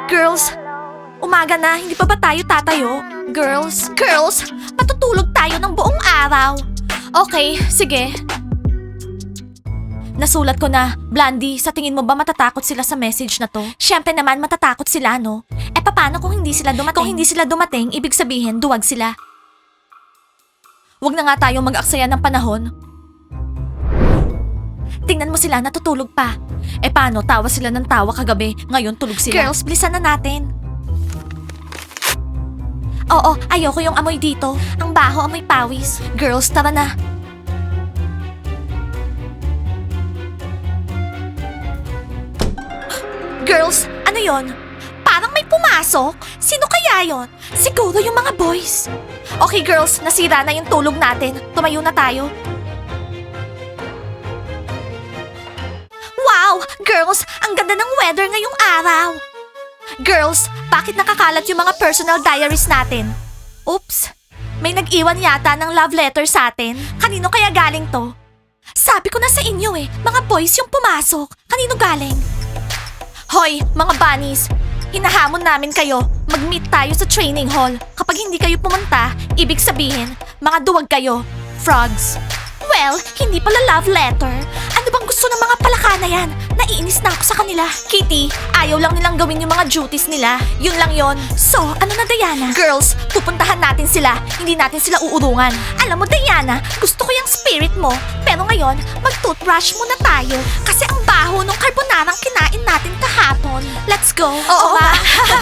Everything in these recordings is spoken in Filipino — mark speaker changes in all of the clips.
Speaker 1: Girls, umaga na, hindi pa ba tayo tatayo? Girls, matutulog tayo ng buong araw. Okay, sige. Nasulat ko na. Blandy, sa tingin mo ba matatakot sila sa message na to? Siyempre naman matatakot sila, no? Eh paano kung hindi sila dumating? Kung hindi sila dumating, ibig sabihin duwag sila. Huwag na nga tayong mag-aksaya ng panahon. Tingnan mo sila, natutulog pa. Eh paano, tawa sila ng tawa kagabi, ngayon tulog sila. Girls, bilisan na natin. Oo, ayoko yung amoy dito. Ang baho, amoy pawis. Girls, tara na. Girls, ano yon? Parang may pumasok. Sino kaya yon? Siguro yung mga boys. Okay girls, nasira na yung tulog natin. Tumayo na tayo. Wow! Girls, ang ganda ng weather ngayong araw. Girls, bakit nakakalat yung mga personal diaries natin? Oops! May nag-iwan yata ng love letter sa atin. Kanino kaya galing to? Sabi ko na sa inyo mga boys yung pumasok. Kanino galing? Hoy, mga bunnies! Hinahamon namin kayo. Mag-meet tayo sa training hall. Kapag hindi kayo pumunta, ibig sabihin, mga duwag kayo. Frogs. Well, hindi pala love letter. Ano bang gusto ng mga palaka na yan? Naiinis na ako sa kanila. Kitty, ayaw lang nilang gawin yung mga duties nila. Yun lang yon. So, ano na Diana? Girls, pupuntahan natin sila. Hindi natin sila uurungan. Alam mo Diana, gusto ko yung spirit mo. Pero ngayon, mag-toothbrush muna tayo. Kasi ang baho nung carbonarang kinain natin kahapon. Let's go. Oo ba?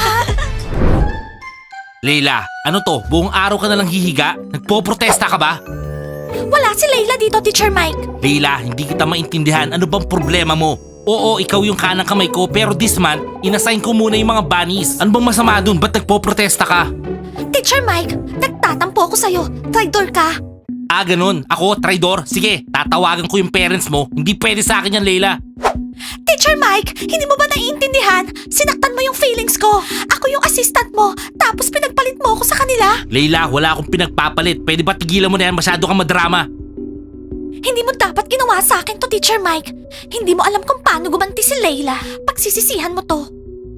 Speaker 2: Leila, ano to? Buong araw ka na lang hihiga? Nagpo-protesta ka ba?
Speaker 1: Wala si Layla dito, Teacher Mike.
Speaker 2: Leila, hindi kita maintindihan. Ano bang problema mo? Oo, ikaw yung kanang kamay ko, pero this month, inassign ko muna yung mga bunnies. Ano bang masama dun? Ba't nagpo-protesta ka?
Speaker 1: Teacher Mike, nagtatampo ako sa'yo. Traitor ka.
Speaker 2: Ah, ganun. Ako, traidor? Sige, tatawagan ko yung parents mo. Hindi pwede sa akin yan, Leila.
Speaker 1: Teacher Mike, hindi mo ba naiintindihan? Sinaktan mo yung feelings ko. Ako yung assistant mo, tapos pinagpalit mo ako sa kanila.
Speaker 2: Leila, wala akong pinagpapalit. Pwede ba tigilan mo na yan? Masyado kang madrama.
Speaker 1: Hindi mo dapat ginawa sa akin to, Teacher Mike. Hindi mo alam kung paano gumanti si Layla. Pagsisisihan mo to.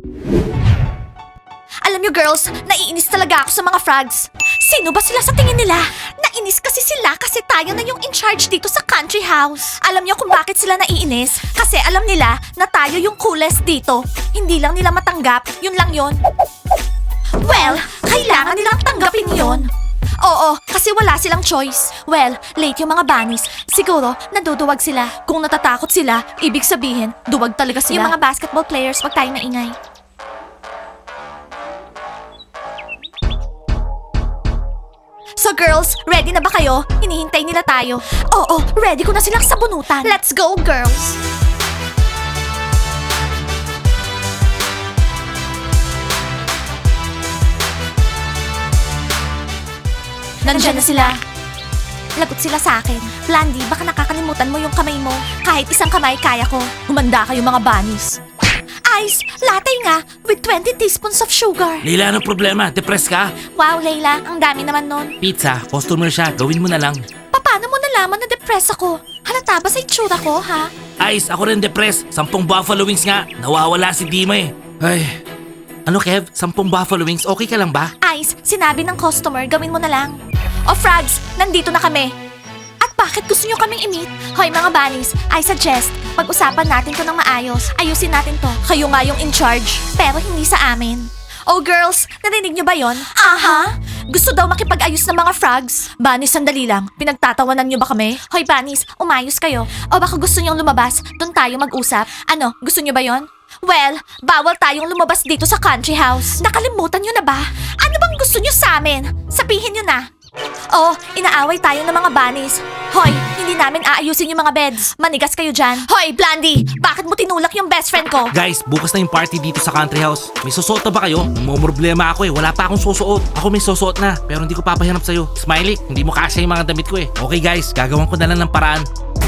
Speaker 1: Alam niyo girls, naiinis talaga ako sa mga frogs. Sino ba sila sa tingin nila? Nainis kasi sila kasi tayo na yung in charge dito sa country house. Alam niyo kung bakit sila naiinis? Kasi alam nila na tayo yung coolest dito. Hindi lang nila matanggap, yun lang yun. Well, kailangan nilang tanggapin yun. Oo, kasi wala silang choice. Well, late yung mga bunnies. Siguro, naduduwag sila. Kung natatakot sila, ibig sabihin, duwag talaga sila. Yung mga basketball players, wag tayong maingay. So girls, ready na ba kayo? Hinihintay nila tayo. Oo, ready ko na silang sabunutan. Let's go, girls! Nandiyan na sila. Lagot sila sa akin. Blandy, baka nakakalimutan mo yung kamay mo. Kahit isang kamay, kaya ko. Humanda kayo mga bunnies. Ice, latte nga, with 20 teaspoons of sugar.
Speaker 2: Leila, anong problema? Depressed ka?
Speaker 1: Wow, Layla, ang dami naman nun.
Speaker 2: Pizza, customer siya. Gawin mo na lang.
Speaker 1: Paano mo nalaman na depressed ako? Halata ba sa itsura ko, ha?
Speaker 2: Ice, ako rin depressed. 10 buffalo wings nga. Nawawala si Dima eh. Ay. Ano Kev? 10 buffalo wings? Okay ka lang ba?
Speaker 1: Ice, sinabi ng customer, gawin mo na lang. O frogs, nandito na kami. At bakit gusto nyo kaming i-meet? Hoy mga bunnies, I suggest, pag-usapan natin to ng maayos. Ayusin natin to. Kayo nga yung in charge, pero hindi sa amin. Oh girls, narinig nyo ba yon? Aha! Gusto daw makipag-ayos ng mga frogs. Bunnies, sandali lang. Pinagtatawanan nyo ba kami? Hoy bunnies, umayos kayo. O baka gusto nyong lumabas, doon tayo mag-usap. Ano, gusto nyo ba yon? Well, bawal tayong lumabas dito sa country house. Nakalimutan nyo na ba? Ano bang gusto nyo sa amin? Sabihin nyo na. Oh, inaaway tayo ng mga bunnies. Hoy, hindi namin aayusin yung mga beds. Manigas kayo dyan. Hoy, Blandy, bakit mo tinulak yung best friend ko?
Speaker 2: Guys, bukas na yung party dito sa country house. May susuot na ba kayo? Problema ako eh. Wala pa akong susuot. Ako may susuot na, pero hindi ko papahanap sa'yo. Smiley, hindi mo kasya yung mga damit ko eh. Okay guys, gagawan ko na lang ng paraan.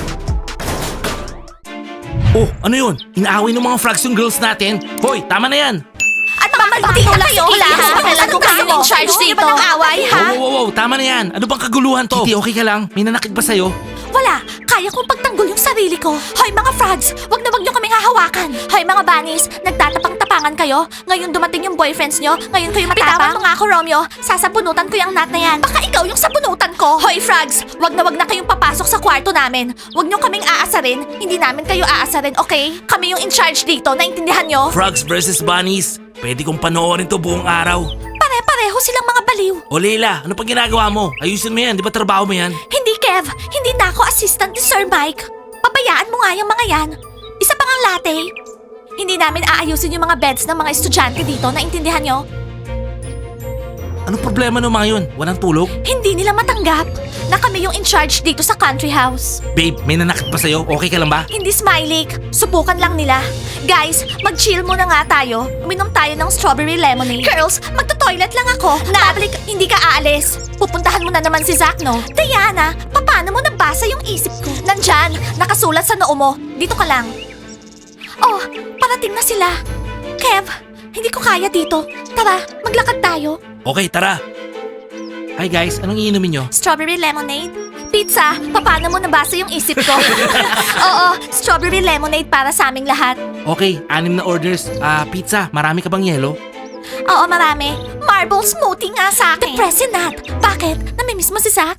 Speaker 2: Oh, ano yun? Inaaway ng mga frogs yung girls natin. Hoy, tama na yan.
Speaker 1: At mamalpati na kayo, wala akong pakialam kung kayo in charge dito. Ano ba away, ha?
Speaker 2: Wow, tama na yan. Ano bang kaguluhan to? Kitty, okay ka lang? May nanakit ba sa'yo?
Speaker 1: Wala, kaya kong pagtanggol yung sarili ko. Hoy mga frogs, wag na wag nyo kaming hahawakan. Hoy mga bunnies, nagtatapang-tapang matapingangan kayo? Ngayon dumating yung boyfriends nyo? Ngayon kayo matapang? Bitawan mo nga ako, Romeo. Sasabunutan ko yung nut na yan. Baka ikaw yung sabunutan ko. Hoy, Frogs! Wag na kayong papasok sa kwarto namin. Wag nyo kaming aasarin. Hindi namin kayo aasarin, okay? Kami yung in charge dito. Naintindihan nyo?
Speaker 2: Frogs versus Bunnies. Pwede kong panoorin to buong araw.
Speaker 1: Pare-pareho silang mga baliw.
Speaker 2: O Leila, ano pa ginagawa mo? Ayusin mo yan, di ba trabaho mo yan?
Speaker 1: Hindi, Kev. Hindi na ako assistant ni Sir Mike. Pabayaan mo nga yung mga yan. Isa pang ang latte. Hindi namin aayusin yung mga beds ng mga estudyante dito. Naintindihan nyo?
Speaker 2: Anong problema ng mga yun? Walang tulog?
Speaker 1: Hindi nila matanggap na kami yung in charge dito sa country house.
Speaker 2: Babe, may nanakit pa sa'yo? Okay ka lang ba?
Speaker 1: Hindi, Smiley. Subukan lang nila. Guys, mag-chill muna nga tayo. Uminom tayo ng strawberry lemonade. Girls, magto-toilet lang ako. Nabalik, hindi ka aalis. Pupuntahan mo na naman si Zach, no? Diana, paano mo nabasa yung isip ko? Nandyan, nakasulat sa noo mo. Dito ka lang. Oh, parating na sila. Kev, hindi ko kaya dito. Tara, maglakad tayo.
Speaker 2: Okay, tara. Hi guys, anong iinumin nyo?
Speaker 1: Strawberry lemonade? Pizza, paano mo nabasa yung isip ko? Oo, strawberry lemonade para sa aming lahat.
Speaker 2: Okay, 6 na orders. Pizza, marami ka bang yelo?
Speaker 1: Oo, marami. Marble smoothie nga sa akin. Depressing Nat. Bakit? Namimiss mo si Zach?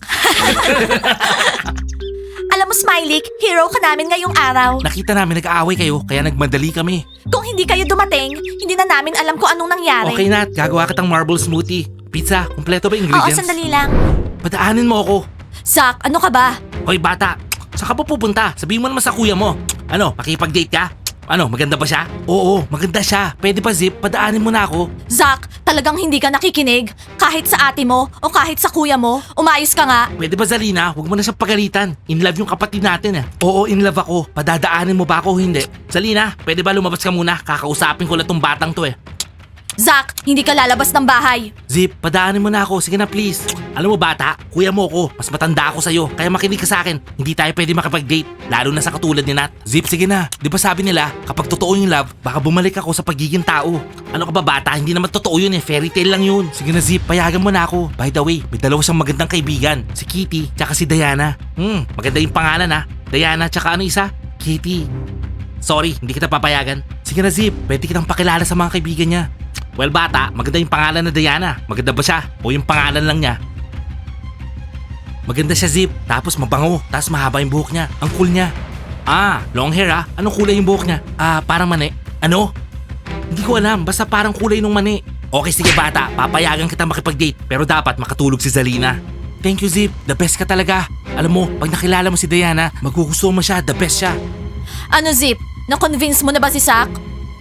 Speaker 1: Alam mo, Smiley, hero ka namin ngayong araw.
Speaker 2: Nakita namin nag-aaway kayo, kaya nagmadali kami.
Speaker 1: Kung hindi kayo dumating, hindi na namin alam kung anong nangyari.
Speaker 2: Okay Nat, gagawa kitang marble smoothie. Pizza, kumpleto ba yung
Speaker 1: Oo,
Speaker 2: ingredients?
Speaker 1: sandali lang.
Speaker 2: Padaanin mo ako.
Speaker 1: Zach, ano ka ba?
Speaker 2: Hoy bata, saan ka pa pupunta? Sabihin mo naman sa kuya mo. Ano, makipag-date ka? Ano, maganda ba siya? Oo, maganda siya. Pwede pa Zip, padaanin mo na ako.
Speaker 1: Zach, talagang hindi ka nakikinig? Kahit sa ate mo o kahit sa kuya mo? Umayos ka nga.
Speaker 2: Pwede ba Zalina, huwag mo na siyang pagalitan. In love yung kapatid natin eh. Oo, in love ako. Padadaanin mo ba ako o hindi? Zalina, pwede ba lumabas ka muna? Kakausapin ko lang tong batang to eh.
Speaker 1: Zach, hindi ka lalabas ng bahay.
Speaker 2: Zip, padaanin mo na ako. Sige na please. Alam mo bata, kuya mo ako. Mas matanda ako sa'yo. Kaya makinig ka sa akin. Hindi tayo pwede makipag-date. Lalo na sa katulad ni Nat. Zip, sige na. Di ba sabi nila, kapag totoo yung love, baka bumalik ako sa pagiging tao. Ano ka ba bata? Hindi naman totoo yun eh. Fairy tale lang yun. Sige na Zip, payagan mo na ako. By the way, may dalawa siyang magandang kaibigan. Si Kitty, tsaka si Diana. Maganda yung pangalan ha. Diana, tsaka ano isa? Kitty. Sorry, hindi kita papayagan. Sige na Zip, pwede kitang pakilala sa mga kaibigan niya. Well bata, maganda yung pangalan na Diana. Maganda ba siya? O yung pangalan lang niya? Maganda siya Zip, tapos mabango, tapos mahaba yung buhok niya. Ang cool niya. Long hair ah. Anong kulay yung buhok niya? Parang mani. Ano? Hindi ko alam, basta parang kulay nung mani. Okay sige bata, papayagan kita makipag-date. Pero dapat makatulog si Zalina. Thank you Zip, the best ka talaga. Alam mo, pag nakilala mo si Diana, magugustuhan mo siya, the best siya.
Speaker 1: Ano, Zip? Na-convince mo na ba si Zach?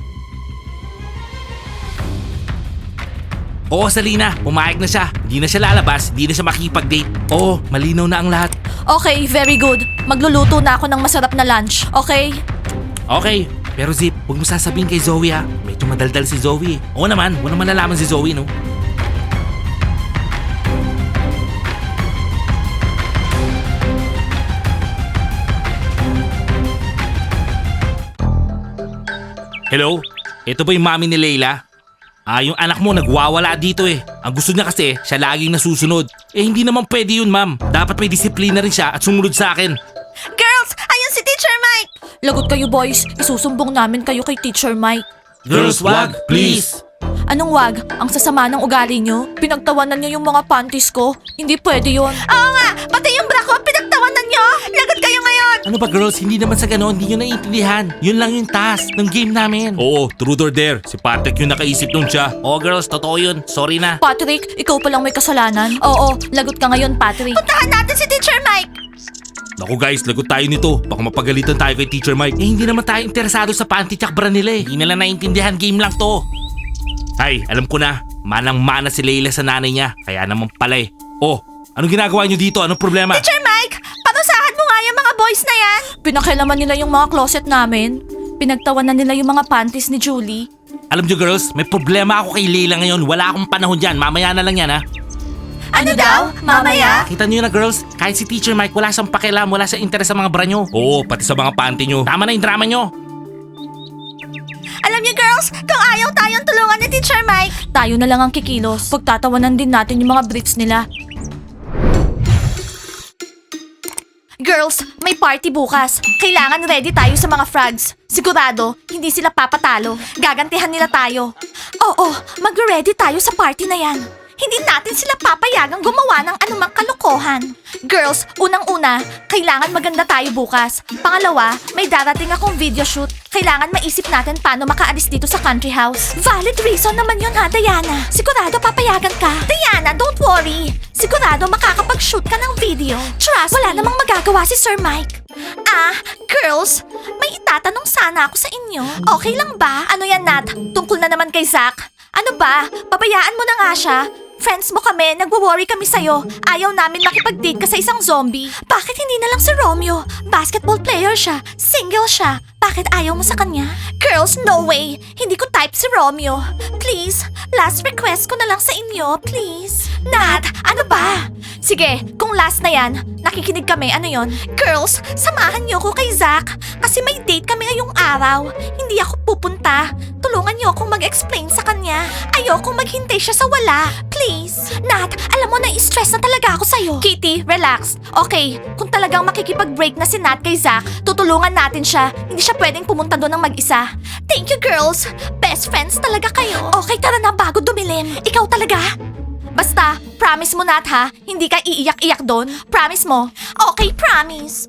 Speaker 2: Oo, Zalina, pumayag na siya. Hindi na siya lalabas, hindi na siya makikipag-date. Oo, malinaw na ang lahat.
Speaker 1: Okay, very good. Magluluto na ako ng masarap na lunch, okay?
Speaker 2: Okay, pero Zip, huwag mo sasabihin kay Zoe ha. Medyo madaldal si Zoe. Oo naman, wala naman nalaman si Zoe no. Hello? Ito ba yung mami ni Leila? Yung anak mo nagwawala dito eh. Ang gusto niya kasi, siya laging nasusunod. Hindi naman pwede yun, ma'am. Dapat may disiplina rin siya at sumunod sa akin.
Speaker 1: Girls, ayun si Teacher Mike! Lagot kayo boys, isusumbong namin kayo kay Teacher Mike.
Speaker 2: Girls, wag, please.
Speaker 1: Anong wag? Ang sasama ng ugali nyo? Pinagtawanan nyo yung mga panties ko? Hindi pwede yon. Oo nga, pati yung bra ko, pinagtawanan nyo! Lagot kayo ngayon!
Speaker 2: Ano ba girls, hindi naman sa ganon, hindi nyo naiintindihan. Yun lang yung task ng game namin. Oo, truth or dare. Si Patrick yung nakaisip nung siya. Oo girls, totoo yun. Sorry na.
Speaker 1: Patrick, ikaw palang may kasalanan. Oo, lagot ka ngayon, Patrick. Puntahan natin si Teacher Mike!
Speaker 2: Naku guys, lagot tayo nito. Baka mapagalitan tayo kay Teacher Mike. Hindi naman tayo interesado sa panty tsak bra nila eh. Hindi nila naiintindihan, game lang to. Ay, alam ko na. Manang-mana si Leila sa nanay niya. Kaya naman pala eh. Oh, anong ginagawa niyo dito? Anong problema?
Speaker 1: Teacher Mike, parusahan mo nga yung mga boys na yan. Pinakialaman nila yung mga closet namin. Pinagtawanan nila yung mga panties ni Julie.
Speaker 2: Alam niyo girls, may problema ako kay Leila ngayon. Wala akong panahon dyan. Mamaya na lang yan ha.
Speaker 1: Ano daw? Mamaya?
Speaker 2: Kita niyo na girls, kahit si Teacher Mike wala siyang pakialam, wala siyang interes sa mga bra niyo. Oo, pati sa mga panty niyo. Tama na yung drama niyo.
Speaker 1: Alam niyo girls, kung ayaw tayong tulungan ni Teacher Mike, tayo na lang ang kikilos. Pagtatawanan din natin yung mga briefs nila. Girls, may party bukas. Kailangan ready tayo sa mga frogs. Sigurado, hindi sila papatalo. Gagantihan nila tayo. Oo, mag-ready tayo sa party na yan. Hindi natin sila papayagang gumawa ng anumang kalokohan. Girls, unang-una, kailangan maganda tayo bukas. Pangalawa, may darating akong video shoot. Kailangan maisip natin paano makaalis dito sa country house. Valid reason naman yun ha, Diana. Sigurado papayagan ka. Diana, don't worry. Sigurado makakapag-shoot ka ng video. Trust wala namang magagawa si Sir Mike. Girls, may itatanong sana ako sa inyo. Okay lang ba? Ano yan, Nat? Tungkol na naman kay Zach? Ano ba? Pabayaan mo na nga siya. Friends mo kami, nagwo-worry kami sa'yo. Ayaw namin makipag-date ka sa isang zombie. Bakit hindi na lang si Romeo? Basketball player siya, single siya. Bakit ayaw mo sa kanya? Girls, no way! Hindi ko type si Romeo. Please, last request ko na lang sa inyo, please. Nat, ano ba? Sige, kung last na yan, nakikinig kami, ano yon? Girls, samahan niyo ko kay Zach. Kasi may date kami ngayong araw. Hindi ako pupunta. Tulungan niyo akong mag-explain sa kanya. Ayokong maghintay siya sa wala. Please. Nat, alam mo na stress na talaga ako sa'yo. Kitty, relax. Okay, kung talagang makikipag-break na si Nat kay Zach, tutulungan natin siya. Hindi siya pwedeng pumunta doon ng mag-isa. Thank you, girls. Best friends talaga kayo. Okay, tara na bago dumilim. Ikaw talaga? Basta, promise mo Nat ha, hindi ka iiyak-iyak doon. Promise mo. Okay, promise.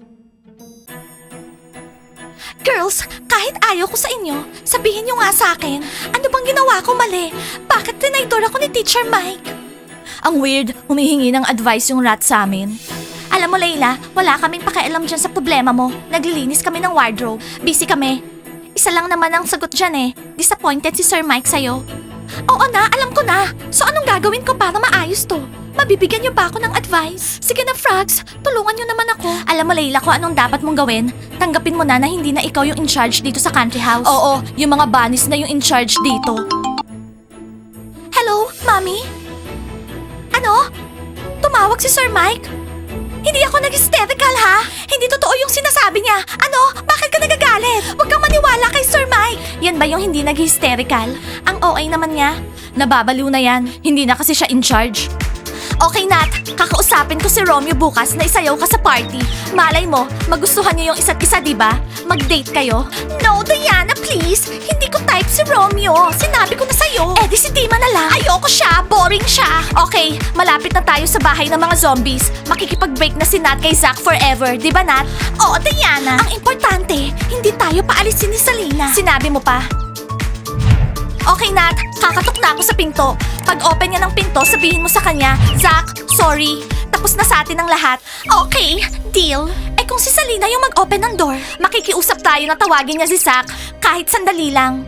Speaker 1: Girls, kahit ayaw ko sa inyo, sabihin nyo nga sa akin, ano bang ginawa ko mali? Bakit tinaydor ako ni Teacher Mike? Ang weird, humihingi ng advice yung rat sa amin. Alam mo, Layla, wala kaming pakialam dyan sa problema mo. Naglilinis kami ng wardrobe. Busy kami. Isa lang naman ang sagot dyan eh. Disappointed si Sir Mike sa'yo. Oo na, alam ko na. So anong gagawin ko para maayos to? Mabibigyan niyo ba ako ng advice? Sige na, Frogs. Tulungan niyo naman ako. Alam mo, Layla, kung anong dapat mong gawin, tanggapin mo na na hindi na ikaw yung in charge dito sa country house. Oo, yung mga bunnies na yung in charge dito. Hello, Mommy? Ano? Tumawag si Sir Mike? Hindi ako nag-hysterical, ha? Hindi totoo yung sinasabi niya. Ano? Bakit ka nagagalit? Huwag kang maniwala kay Sir Mike. Yan ba yung hindi nag-hysterical? Ang OA naman niya. Nababaliw na yan. Hindi na kasi siya in charge. Okay, Nat. Kakausapin ko si Romeo bukas na isayaw ka sa party. Malay mo, magustuhan niyo yung isa't isa, di ba? Mag-date kayo. No, Diana, please. Hindi ko type si Romeo. Sinabi ko na sa'yo. Eh di si Dima na lang. Ayoko siya. Boring siya. Okay, malapit na tayo sa bahay ng mga zombies. Makikipag-break na si Nat kay Zach forever. Di ba, Nat? Oo, Diana. Ang importante, hindi tayo paalisin ni Salina. Sinabi mo pa? Okay, Nat. Kakatok na ako sa pinto. Pag open niya ng pinto, sabihin mo sa kanya, Zach, sorry. Tapos na sa atin ang lahat. Okay, deal. Eh kung si Salina yung mag-open ng door, makikiusap tayo na tawagin niya si Zach kahit sandali lang.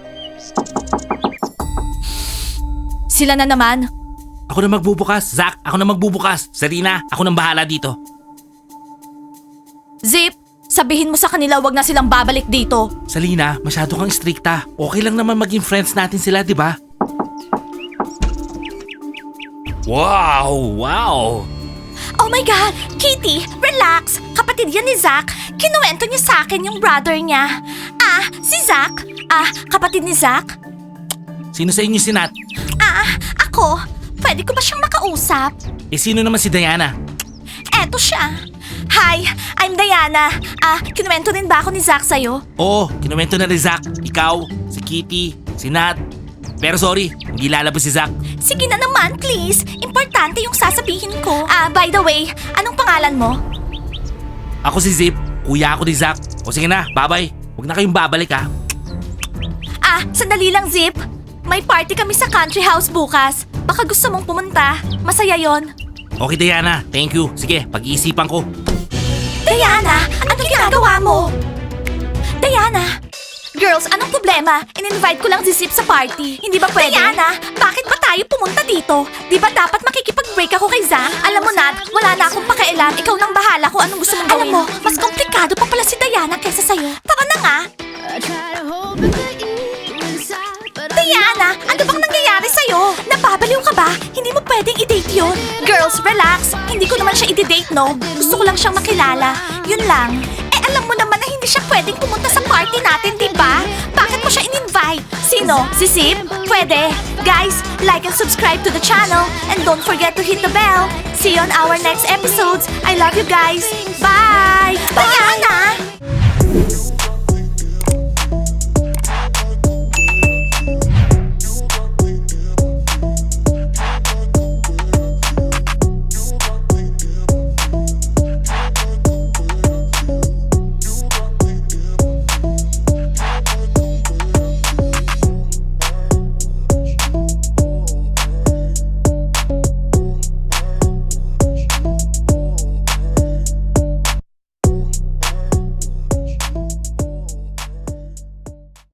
Speaker 1: Sila na naman.
Speaker 2: Ako na magbubukas. Zach, ako na magbubukas. Sarina, ako nang bahala dito.
Speaker 1: Zip, sabihin mo sa kanila wag na silang babalik dito.
Speaker 2: Salina, masyado kang strikta. Okay lang naman maging friends natin sila, di ba? Wow! Wow!
Speaker 1: Oh my God! Kitty, relax! Kapatid yan ni Zach. Kinuwento niya sa akin yung brother niya. Si Zach? Kapatid ni Zach?
Speaker 2: Sino sa inyo si Nat?
Speaker 1: Ako. Pwede ko ba siyang makausap?
Speaker 2: Eh sino naman si Diana?
Speaker 1: Eto siya. Hi, I'm Diana. Kinuwento din ba ako ni Zach sa'yo?
Speaker 2: Oo, kinuwento na ni Zach. Ikaw, si Kitty, si Nat. Pero sorry, hindi lalabas si Zach.
Speaker 1: Sige na naman, please. Importante yung sasabihin ko. By the way, anong pangalan mo?
Speaker 2: Ako si Zip, kuya ako ni Zach. O sige na, bye-bye. Huwag na kayong babalik ha.
Speaker 1: Sandali lang, Zip. May party kami sa country house bukas. Baka gusto mong pumunta. Masaya yon.
Speaker 2: Okay Diana, thank you. Sige, pag-iisipan ko.
Speaker 1: Diana, anong ginagawa mo? Diana! Girls, anong problema? In-invite ko lang si Zip sa party. Hindi ba pwede? Diana, bakit ba tayo pumunta dito? Di ba dapat makikipag-break ako kay Zach? Alam mo, Nat, wala na akong pakialam. Ikaw nang bahala kung anong gusto mong gawin. Alam mo, mas komplikado pa pala si Diana kaysa sa'yo. Tara na nga! Diana, ano bang nangyayari sa'yo? Napabaliw ka ba? Hindi mo pwedeng i-date yun. Girls, relax. Hindi ko naman siya i-date, no? Gusto ko lang siyang makilala. Yun lang. Alam mo naman na hindi siya pwedeng pumunta sa party natin, di ba? Bakit mo siya in-invite? Sino? Si Zip? Pwede. Guys, like and subscribe to the channel and don't forget to hit the bell. See you on our next episodes. I love you guys. Bye! Diana!